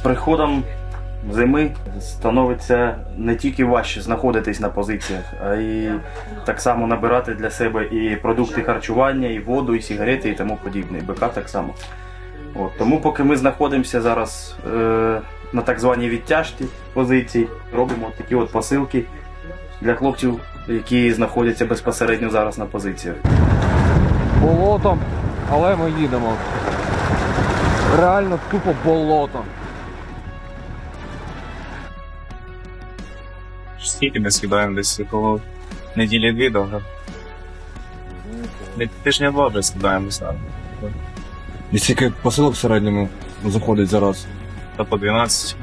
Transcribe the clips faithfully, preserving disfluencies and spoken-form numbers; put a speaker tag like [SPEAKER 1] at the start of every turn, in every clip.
[SPEAKER 1] приходом зими становиться не тільки важче знаходитись на позиціях, а й так само набирати для себе і продукти харчування, і воду, і сигарети, і тому подібне. І БК так само. От. Тому поки ми знаходимося зараз е, на так званій відтяжці позицій, робимо такі от посилки для хлопців, які знаходяться безпосередньо зараз на позиціях.
[SPEAKER 2] Болотом, але ми їдемо. Реально тупо болото.
[SPEAKER 3] Скільки ми скидаємо десь коло неділі дві довго. Тижня два вже скидаємо саме.
[SPEAKER 2] І скільки посилок в середньому заходить зараз?
[SPEAKER 3] Та по дванадцять.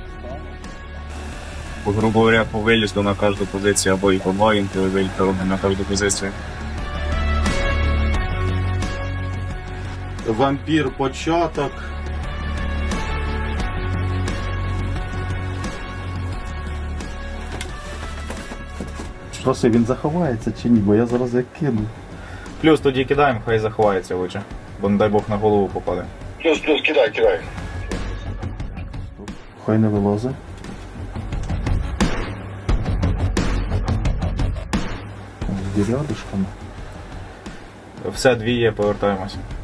[SPEAKER 3] По, грубо говоря, по вилізду на кожну позицію, або і по два інтові виліти робимо на кожну позицію.
[SPEAKER 4] Вампір початок. Що це, він заховається чи ні? Бо я зараз як кину.
[SPEAKER 3] Плюс тоді кидаємо, хай заховається лучше, бо не дай Бог на голову попаде.
[SPEAKER 5] Плюс, плюс, кидай, кидай.
[SPEAKER 4] Хай не вилазить. З дірядишками.
[SPEAKER 3] Все, дві є, повертаємося.